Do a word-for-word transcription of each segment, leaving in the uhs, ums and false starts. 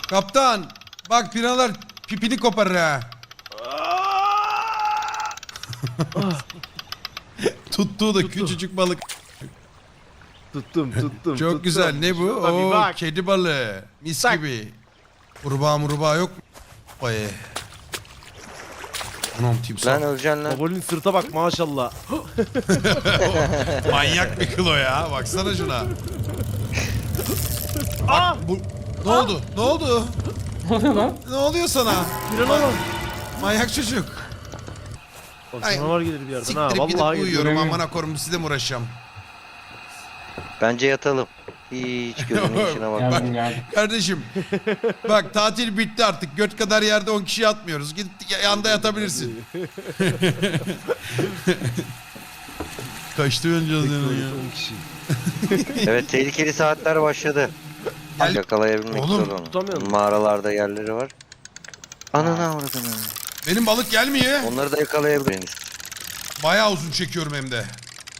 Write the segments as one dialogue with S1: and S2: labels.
S1: Kaptan bak piranalar pipini koparır ha. Tuttuğu da küçücük balık.
S2: Tuttum tuttum.
S1: Çok
S2: tuttum.
S1: güzel ne bu?
S2: Şuna bir
S1: Oo,
S2: bak.
S1: kedi balığı. Mis
S2: Bak.
S1: gibi. Kurbağa murbağa yok mu? Vay. Anam timsah.
S3: Lan öleceksin lan.
S2: Babolinin sırta bak maşallah.
S1: Manyak bir kilo ya. Baksana şuna.
S2: Aa!
S1: Bu... Ne oldu? Ne oldu?
S4: Ne oluyor lan?
S1: Ne oluyor sana?
S2: Pirana lan.
S1: Manyak çocuk.
S2: Bak
S1: Ay,
S2: canavar gelir bir yerden ha.
S1: Siktirip gidip
S2: Vallahi
S1: uyuyorum.
S2: geliyor.
S1: Amına korum sizle mi uğraşacağım?
S3: Bence yatalım. Hiç gözünün içine bak.
S4: Geldim geldim.
S1: Kardeşim bak tatil bitti artık. Göt kadar yerde on kişi yatmıyoruz. Git yanda yatabilirsin. Kaçtı önce ya.
S2: on kişi.
S3: Evet tehlikeli saatler başladı.
S1: Gel-
S3: Yakalayabilmek
S1: Oğlum,
S3: zor onu.
S2: tutamıyorum.
S3: Mağaralarda yerleri var. Ananı avradını.
S1: Benim balık gelmiyor.
S3: Onları da yakalayabiliriz.
S1: Bayağı uzun çekiyorum hem de.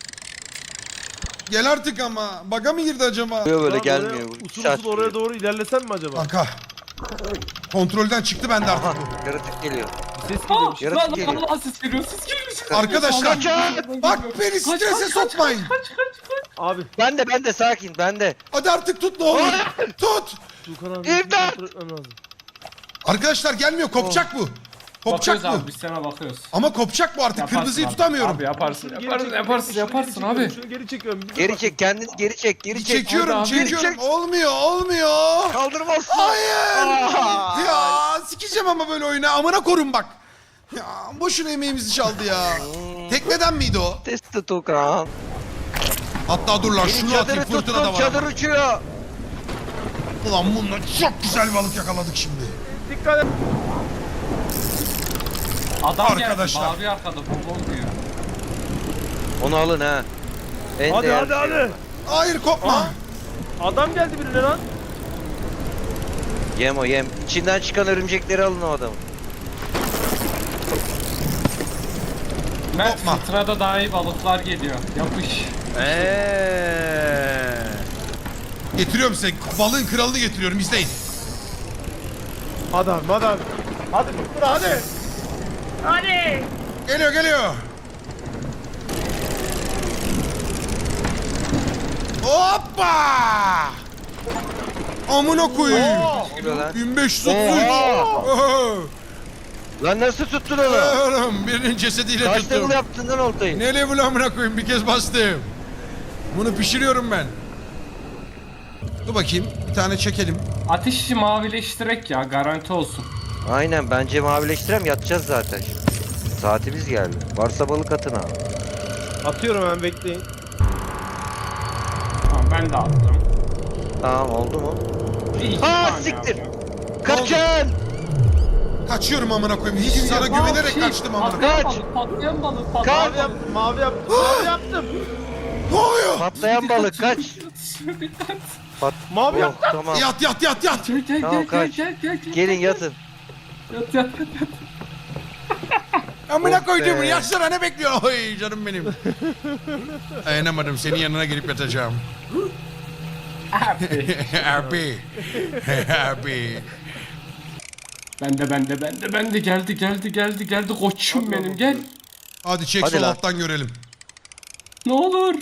S1: Gel artık ama. Baga mı girdi acaba?
S3: Böyle
S2: Daha
S3: gelmiyor.
S2: oraya,
S3: Bu
S2: Usul
S3: iki saat
S2: usul oraya
S3: sürüyor.
S2: doğru ilerlesen mi acaba?
S1: Kanka. Kontrolden çıktı bende artık
S3: Aha
S1: bu.
S3: yaratık geliyor.
S2: Bir ses geliyor.
S4: Aa,
S3: Yaratık
S4: lan
S3: geliyor.
S4: Allah ses geliyor, ses geliyor. Ses geliyor.
S1: Arkadaşlar,
S4: Kaçın!
S1: bak beni
S4: Kaç,
S1: strese
S4: kaç, kaç,
S1: sokmayın.
S4: Kaç kaç kaç.
S2: Abi
S3: Ben de ben de sakin ben de.
S1: Hadi artık tut ne olur. Tut.
S2: Tuğkan abi.
S3: İmdat!
S2: kontrol etmem lazım.
S1: Arkadaşlar gelmiyor. Kopacak bu. Kopacak
S4: Bakıyoruz
S1: bu.
S4: abi, biz sana bakıyoruz.
S1: Ama kopacak bu artık.
S4: Yaparsın
S1: Kırmızıyı
S4: abi.
S1: tutamıyorum.
S4: Abi yaparsın,
S2: Şunu geri
S4: yaparsın,
S2: çek,
S4: yaparsın,
S2: şunu
S4: yaparsın
S2: geri
S4: abi.
S2: çekiyorum, Şunu geri çekiyorum. Bir dur
S3: Geri
S2: bak.
S3: çek kendini geri çek geri çek.
S1: Çekiyorum,
S4: Hadi abi.
S1: çekiyorum.
S3: Çek.
S1: Olmuyor, olmuyor.
S3: Kaldırmazsın.
S1: Hayır.
S3: Aa.
S1: Ya sikeceğim ama böyle oyunu. Amına korun bak. Ya boşuna emeğimizi çaldı ya. Tekneden miydi o?
S3: Testi Tukan.
S1: Hatta dur lan
S3: Gelin
S1: şunu atayım,
S3: çadırı
S1: fırtına da
S3: tuttum
S1: var.
S3: çadır uçuyor.
S1: Ulan bununla çok güzel balık yakaladık şimdi.
S2: Dikkat et.
S4: Adam
S1: Arkadaşlar.
S4: geldi, bağırıyor arkada, bom diyor.
S3: Onu alın ha. En
S2: Hadi
S3: değerli
S2: hadi
S3: şey.
S2: hadi.
S1: Hayır kopma.
S2: Aa. Adam geldi birine lan.
S3: Yem o yem. İçinden çıkan örümcekleri alın o adamı.
S4: Mert,
S1: Korkma.
S4: fıtrada daha iyi balıklar geliyor. Yapış.
S2: Eee.
S1: Getiriyorum size. Balığın kralını getiriyorum. İzleyin.
S2: Hadi abi hadi abi. Hadi dur hadi. Hadi.
S1: Geliyor geliyor. Hoppa! Amına koyayım.
S2: Oo.
S3: Ne oluyor lan?
S1: bin beş yüz otuz üç.
S3: Oha!
S1: Oho.
S3: Lan nasıl tuttun onu?
S1: Oğlum birinin cesediyle
S3: Kaç
S1: tuttum.
S3: level yaptın lan oltayı?
S1: Ne level amına koyayım bir kez bastım. Bunu pişiriyorum ben. Dur bakayım bir tane çekelim.
S4: Ateşi mavileştirek ya, garanti olsun.
S3: Aynen bence mavileştirem yatacağız zaten. Saatimiz geldi. Varsa balık atın abi.
S2: Atıyorum hemen bekleyin.
S4: Tamam, ben de attım.
S3: Tamam oldu mu?
S4: Bir iki
S3: Aa,
S4: tane
S3: siktir.
S4: yaptım.
S3: Kaçın!
S1: Kaçıyorum amına koyayım. Hiç sana
S4: Aa,
S1: güvenerek
S4: şey,
S1: kaçtım amına.
S4: Patlayan
S3: Kaç.
S4: balık, patlayan balık,
S3: Kaç.
S4: patlayan
S2: Mavi yaptım mavi yaptım mavi yaptım.
S1: Ne oluyor?
S3: Patlayan balık kaç. Pat
S2: Mavi
S3: Yok,
S2: yaptım.
S3: tamam.
S1: Yat yat yat yat.
S4: Gel gel
S3: Tamam,
S4: gel
S3: kaç.
S4: gel gel gel.
S3: Gelin yatın.
S4: Yat yat yat. yat.
S1: Amına
S3: Oh
S1: koyduğum
S3: be.
S1: yaşlara ne bekliyorsun? Oy canım benim. Dayanamadım senin yanına gelip yatacağım.
S4: Abi.
S1: Abi. Abi.
S4: Ben de ben de ben de ben de geldi geldi geldi geldi koçum benim gel.
S1: Hadi çek
S3: Hadi
S1: sol
S3: lan.
S1: alttan görelim.
S4: Ne olur.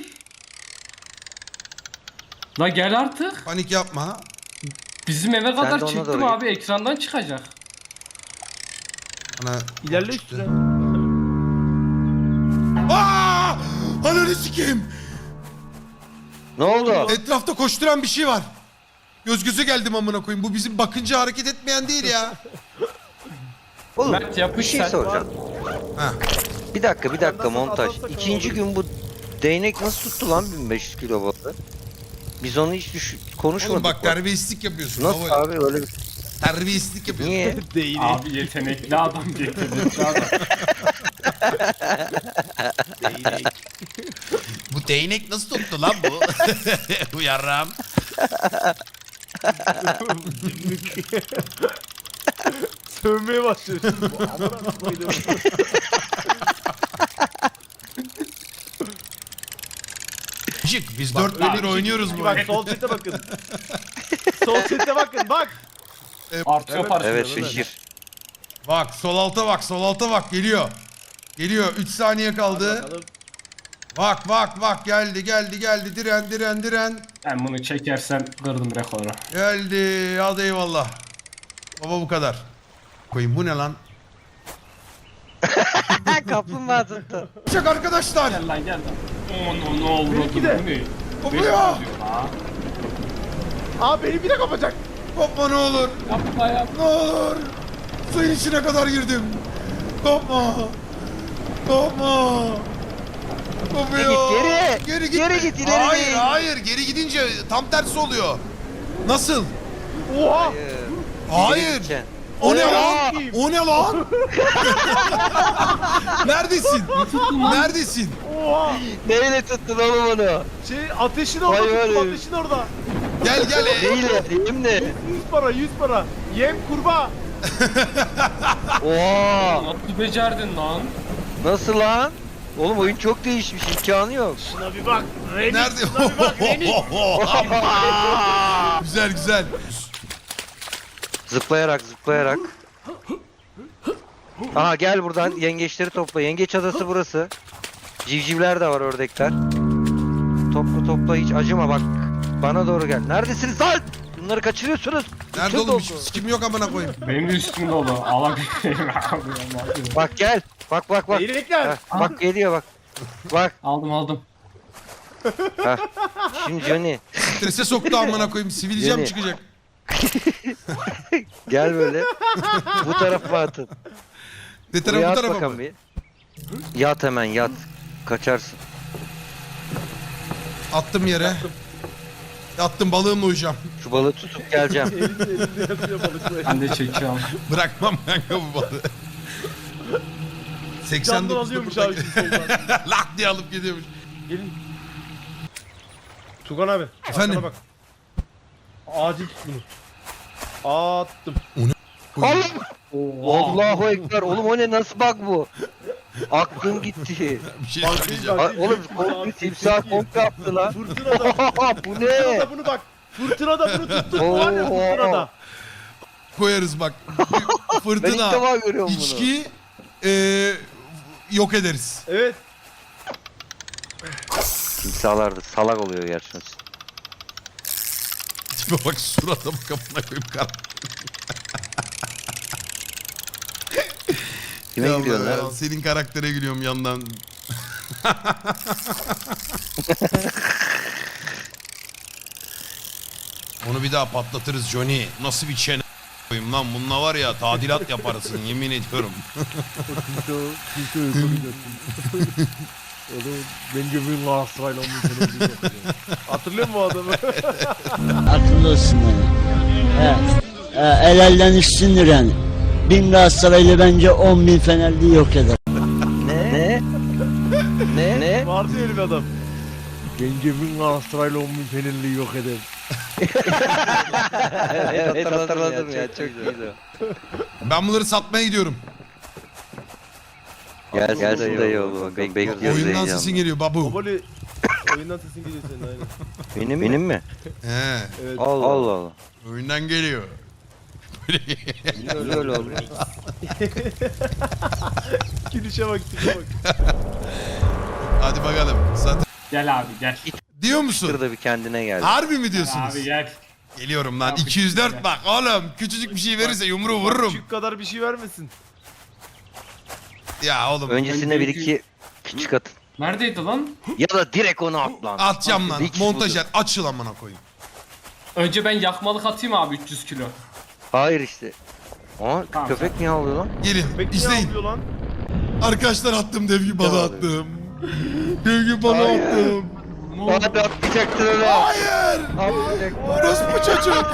S4: La gel artık.
S1: Panik yapma.
S4: Bizim eve
S3: de
S4: kadar
S3: ona
S4: çektim
S3: doğru
S4: abi, ekrandan çıkacak.
S1: Ana.
S2: İlerle
S1: çıktı.
S2: üstüne.
S1: Aa! Ananı sikeyim.
S3: Ne oldu?
S1: Etrafta koşturan bir şey var. Göz göze geldim amına koyayım. Bu bizim bakınca hareket etmeyen değil ya.
S3: Oğlum
S4: Mert,
S3: bir
S4: yapış
S3: şey
S4: sen.
S3: soracağım.
S1: Ha.
S3: Bir dakika bir dakika
S2: Nasıl
S3: montaj.
S2: atarsak
S3: İkinci
S2: olur.
S3: gün bu değnek nasıl tuttu lan bin beş yüz kilo balığı? Biz onu hiç düş konuşmadık.
S1: Oğlum bak
S3: bak.
S1: terbiyesizlik yapıyorsun.
S3: Nasıl
S1: Baba.
S3: abi öyle bir...
S1: Terbiyesizlik yapıyorsun.
S3: Niye?
S2: Değil.
S4: Abi yetenekli adam, yetenekli adam.
S1: Bu değnek nasıl tuttu lan bu? Bu yarram.
S2: Sövmeye başlıyor şimdi bu. Amına koydum.
S1: Cık, biz dört
S2: Öyle
S1: gündür
S2: bir şey
S1: oynuyoruz
S2: değil
S1: bu
S2: ki,
S1: oyunu.
S2: Bak sol sete bakın. Sol sete bakın bak.
S4: Artıyor
S2: Evet,
S4: parça.
S3: Evet
S2: Değil mi?
S3: şişir.
S1: Bak sol alta bak sol alta bak geliyor. Geliyor üç saniye kaldı.
S2: Bakalım.
S1: Bak bak bak geldi geldi geldi diren diren diren.
S4: Ben bunu çekersem kırdım rekoru.
S1: Geldi hadi eyvallah. Baba bu kadar. Koyayım bu ne lan?
S3: Kaplumbağa tuttu.
S1: Çek arkadaşlar.
S4: Gel lan gel lan. Ono ne oldu?
S2: Benimki de.
S4: Bu ne?
S1: Kopuyor.
S4: Beş yazıyor la.
S2: Aa beni bir de kapacak.
S1: Kopma ne olur.
S4: Yapma yap.
S1: Ne olur. Suyun içine kadar girdim. Kopma. Kopma. Kopuyor.
S3: Geri,
S1: Geri
S3: geri.
S1: gitme.
S3: Geri git, ileri
S1: Hayır
S3: değil.
S1: hayır geri gidince tam tersi oluyor. Nasıl?
S2: Oha.
S1: Hayır.
S3: gideceksin.
S1: O ne
S3: Oha!
S1: lan? O ne lan? Neredesin? Neredesin?
S2: Oha.
S3: Neyle tuttun oğlum onu?
S2: Şey ateşin orada
S3: Vay
S2: tuttum,
S3: vay.
S2: ateşin orada.
S1: Gel gel.
S3: Neyle? Elimle.
S2: yüz para yüz para. Yem kurbağa.
S3: Oha!
S4: Nasıl becerdin lan?
S3: Nasıl lan? Oğlum oyun çok değişmiş, imkanı yok.
S2: Şuna bir bak. Remix.
S1: Nerede?
S2: Şuna bir bak. Remix.
S1: Güzel güzel.
S3: Zıplayarak, zıplayarak. Aha gel buradan yengeçleri topla. Yengeç adası burası. Civcivler de var, ördekler. Topla topla, hiç acıma bak. Bana doğru gel. Neredesiniz lan? Bunları kaçırıyorsunuz.
S1: Nerede
S3: Üstüm
S1: oğlum?
S3: doldu.
S1: Hiç sikim yok amına koyayım.
S4: Benim de üstüm dolu. Alabilirim abi.
S3: Bak gel. Bak bak bak.
S2: Leylekler.
S3: Heh, bak geliyor bak. Bak.
S4: Aldım aldım.
S3: Heh. Şimdi Johnny.
S1: Strese soktu amına koyayım. Sivilcem
S3: Yeni.
S1: çıkacak.
S3: Gel böyle. Bu tarafa atın.
S1: Ne
S3: Buraya
S1: tarafa bu
S3: at
S1: tarafa
S3: bakalım
S1: mı?
S3: bir. Yat hemen yat. Kaçarsın.
S1: Attım yere. Attım balığımla uyuyacağım.
S3: Şu balığı tutup geleceğim.
S2: Elinde elinde yatıyor balıklar.
S4: Ben de çekiyorum.
S1: Bırakmam kanka bu balığı. seksen
S2: Candan
S1: dokuzda
S2: alıyormuş abi şu soldan.
S1: Lak diye alıp gidiyormuş.
S2: Gelin. Tugan abi.
S1: Efendim?
S2: arkana bak. Acil tut bunu. Attım.
S3: Allah! Allahu Ekber. Oğlum o ne, nasıl bak bu? Aklım gitti.
S1: Bir şey
S2: Bak,
S1: söyleyeceğim.
S2: bak.
S3: Aa, oğlum komple timsah komple yaptı lan.
S2: Fırtınada.
S3: Bu ne?
S2: Fırtınada bunu bak. Fırtınada bunu tuttuk var ya
S3: Oo.
S2: fırtınada.
S1: Koyarız bak.
S3: Ben ilk
S1: Fırtına,
S3: defa görüyorum bunu.
S1: içki eee yok ederiz.
S2: Evet.
S3: Timsahlar da salak oluyor gerçekten.
S1: Tipe bak surata bak amına koyayım kar.
S3: Kime
S1: Ya
S3: gidiyorsun
S1: Allah ya,
S3: lan?
S1: senin karaktere gülüyorum yandan. Onu bir daha patlatırız Johnny. Nasıl bir çene koyayım lan, bununla var ya tadilat yaparsın yemin ediyorum.
S2: Oğlum ben gömüğün Galatasaraylı olmuş. Hatırlıyor musun o adamı?
S5: Akıllı olsun yani. He. He, el elden üstündür yani. Bin Galatasaraylı bence on bin Fenerli yok eder.
S3: Ne? Ne? Ne? Ne?
S2: Vardı ya öyle bir adam. Gencebin Galatasaraylı on bin Fenerli'yi yok eder.
S3: Evet hatırladım ya, çok iyiydi.
S1: Ben bunları satmaya gidiyorum.
S3: Gel gel dayı oğlum. Bek bekliyoruz
S1: Oyundan
S3: heyecanla.
S1: sesin geliyor babu.
S2: Babali oyundan sesin geliyor senin aynen.
S3: Benim, benim mi?
S1: He,
S2: Evet.
S3: Allah Allah. Allah.
S1: oyundan geliyor.
S3: Niye öyle oldu?
S2: Gülüşe bak, tipe bak.
S1: Hadi bakalım. Zaten
S4: Gel abi gel.
S1: diyor musun?
S3: Şurada bir kendine geldi.
S1: Harbi mi diyorsunuz?
S4: Abi gel.
S1: Geliyorum lan.
S4: Abi,
S1: iki yüz dört
S4: gel.
S1: bak oğlum. Küçücük bir şey verirse yumruğu vururum.
S2: Küçük kadar bir şey vermesin.
S1: Ya oğlum
S3: Öncesinde bir iki küçük atın.
S4: Neredeydi lan?
S3: Ya da direkt onu at lan.
S1: atacağım lan.
S3: Bir kişi
S1: Montajer açıl amına koyayım.
S4: Önce ben yakmalık atayım abi üç yüz kilo.
S3: Hayır işte. Aa
S4: Tamam,
S3: köpek niye ağlıyor lan?
S1: Gelin
S2: Peki niye
S1: izleyin.
S2: ağlıyor lan?
S1: Arkadaşlar attım dev gibi balığı
S3: Devam
S1: attım. Dev gibi balığı
S3: Hayır.
S1: attım.
S4: Ne oldu?
S3: Hadi atlayacaktın onu.
S1: Hayır.
S3: Atlayacaktın.
S1: Orospu çocuk.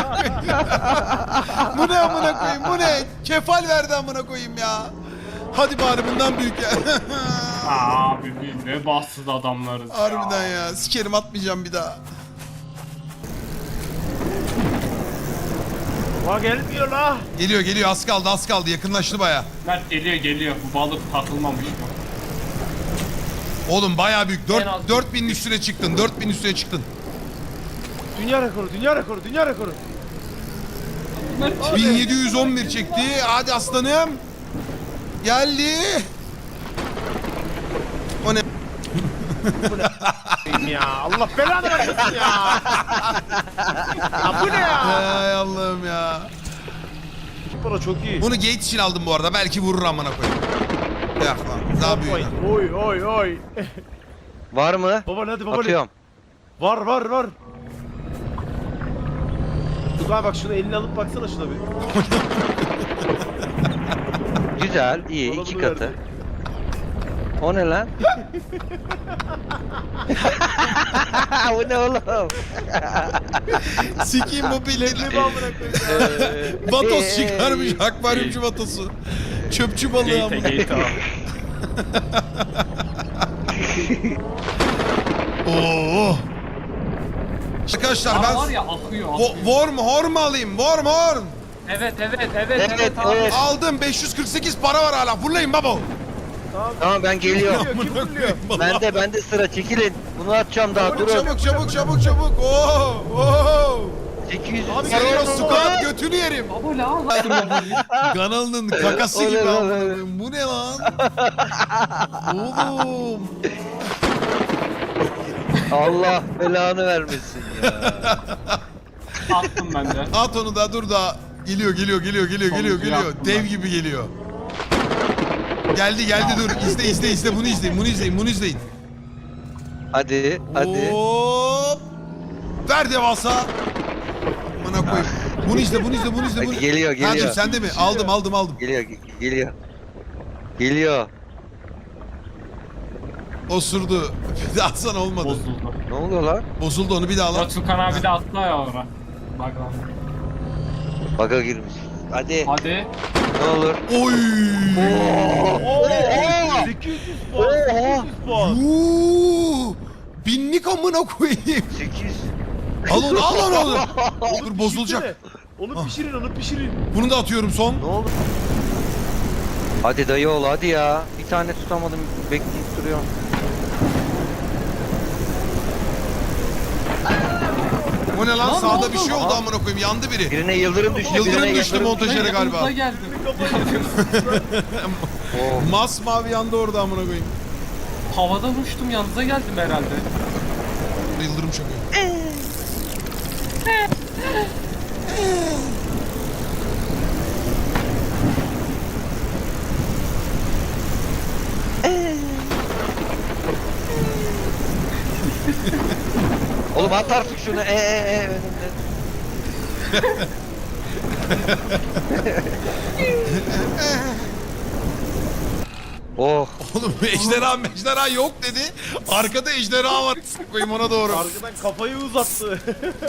S1: Bu ne amına koyayım, bu ne? Kefal verdi amına koyayım ya. Hadi bari bundan büyük ya.
S4: Abi biz ne bahtsız adamlarız
S1: Harbiden
S4: ya.
S1: ya. Sikerim atmayacağım bir daha.
S2: Bak gelmiyor la.
S1: Geliyor geliyor az kaldı az kaldı yakınlaştı baya.
S4: Mert geliyor geliyor. Bu balık takılmamış mı?
S1: Oğlum baya büyük.
S4: En az-
S1: dört binin üstüne çıktın. dört bin üstüne çıktın.
S2: Dünya rekoru, dünya rekoru, dünya rekoru.
S4: Bunlar
S1: bin yedi yüz on bir çekti. Hadi aslanım. Geldi. O ne?
S2: ya Allah belanı vermesin ya. Ya bu ne ya?
S1: Ay Allah'ım ya.
S2: Para çok iyi.
S1: Bunu Gates için aldım bu arada. Belki vurur amına koyayım. Yok lan. Daha büyük.
S2: Oy oy oy.
S3: Var mı?
S2: Baba hadi baba.
S3: Atıyorum.
S2: Var var var. Tugay bak şunu elini alıp baksana şuna bir.
S3: Güzel, iyi.
S2: Bana
S3: iki
S2: bunu
S3: katı.
S2: verdi.
S3: O ne lan? Bu ne oğlum?
S1: Sikiyim bu bildiğini.
S2: Elini amına koyayım.
S1: Vatos çıkarmış. Akvaryumcu vatosu. Çöpçü balığı amına.
S4: Gate gate abi.
S1: Oo. Arkadaşlar
S4: Aa,
S1: ben
S4: var ya akıyor
S1: Wo-
S4: akıyor.
S1: Worm horn mu alayım? Worm horn.
S4: Evet evet evet
S3: Evet,
S4: evet abi.
S3: evet.
S1: Aldım. beş yüz kırk sekiz para var hala. Fırlayın baba.
S3: Tamam ben geliyorum.
S2: Kim fırlıyor?
S3: Bende bende sıra çekilin. Bunu atacağım daha durun.
S1: Çabuk çabuk çabuk çabuk. Oo. Oo.
S3: sekiz yüz.
S2: Abi,
S1: Sarıyorum
S2: geliyor,
S1: squat götünü yerim.
S4: Baba la Allah.
S1: Kanalının kakası
S3: O ne
S1: gibi
S3: lan?
S1: amına koyayım. Bu ne lan? Oğlum.
S3: Allah belanı vermesin ya.
S4: Attım ben de.
S1: At onu da dur da. Geliyor geliyor geliyor geliyor geliyor
S4: Sonuncuyu
S1: geliyor.
S4: attım
S1: Dev
S4: ben.
S1: gibi geliyor. Geldi geldi dur. İzle izle izle bunu izleyin bunu izleyin bunu izleyin.
S3: Hadi hadi.
S1: Hop. Ver devasa. Bana koy. Bunu izle bunu izle bunu izle.
S3: Hadi
S1: Bunu...
S3: geliyor, geliyor.
S1: Hacım sen de mi? Aldım aldım aldım.
S3: Geliyor ge- geliyor. Geliyor.
S1: Osurdu. Bir daha sana olmadı.
S4: Bozuldu.
S3: Ne oluyor lan?
S1: Bozuldu onu bir daha al.
S4: Batukan abi de attı ya ora. Bak lan.
S3: Baga girmiş. Hadi
S4: Hadi.
S3: ne olur.
S1: Oy.
S2: Oo, sekiz yüz puan. sekiz yüz puan.
S1: Uuu. Binlik amına koyayım.
S3: sekiz.
S1: Al onu al onu al onu.
S2: Onu
S1: Dur bozulacak.
S2: pişirsene. Onu
S1: Ah.
S2: pişirin onu pişirin.
S1: Bunu da atıyorum son.
S3: Ne oldu? Hadi dayı ol hadi ya. Bir tane tutamadım bekleyip duruyorum.
S1: O ne lan?
S4: Lan ne
S1: Sağda
S4: oldu?
S1: bir şey oldu
S3: Aha.
S1: amına koyayım. Yandı biri.
S3: Birine yıldırım düştü.
S1: Yıldırım
S3: birine
S1: düştü montajere galiba.
S4: Yanımıza geldi.
S3: Oh.
S1: Masmavi yandı orada amına koyayım.
S4: Havadan uçtum yanınıza geldim herhalde.
S1: Yıldırım çakıyor.
S3: Oğlum at artık şunu. Ee, ee, ee, önümde. Oh.
S1: Oğlum ejderha mejderha yok dedi. Arkada ejderha var. Koyayım ona doğru.
S2: Arkadan kafayı uzattı.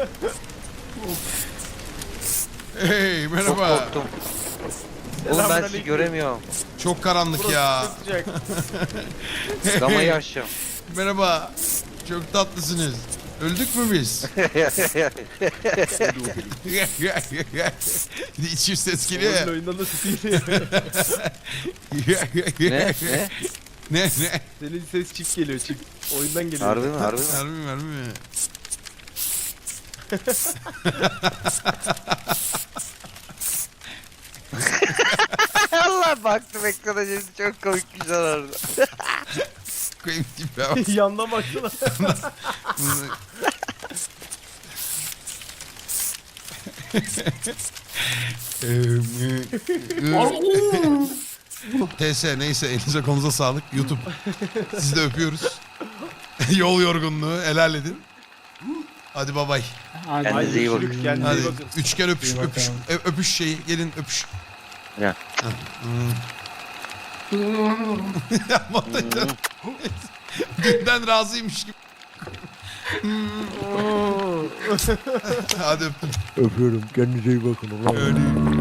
S1: Hey
S3: Çok
S1: merhaba.
S3: korktum. Oğlum ben sizi
S2: Selamünaleyküm.
S3: göremiyorum.
S1: Çok karanlık
S2: Burası
S1: ya.
S2: çok sıcak.
S3: Gamayı aşacağım.
S1: Merhaba. Çok tatlısınız. Öldük mü biz? İçim ses geliyor ya.
S2: Oyun oyundan da tutayım.
S3: ne? Ne?
S1: Ne ne?
S2: Senin ses çift geliyor çift. Oyundan geliyor.
S3: Harbi mi? Harbi mi?
S1: Harbi mi harbi mi?
S3: Allah baktım ekrana şimdi çok komik bir şey orada.
S1: Koyayım tipe bak.
S2: Yandan baksana.
S1: T S neyse elinize konuza sağlık. YouTube. Sizi de öpüyoruz. Yol yorgunluğu helal edin. Hadi babay.
S4: Hadi.
S3: Kendinize iyi bakın.
S2: Görüşürüz, kendinize
S1: Hadi
S2: iyi bakın.
S1: üçgen öpüş
S4: İyi
S1: öpüş
S4: bakalım.
S1: ö- öpüş şeyi gelin öpüş.
S3: Ya.
S1: Montajı- Dünden razıymış gibi. Hadi öptüm.
S2: Öpüyorum. Kendinize iyi bakın.
S1: Öyle.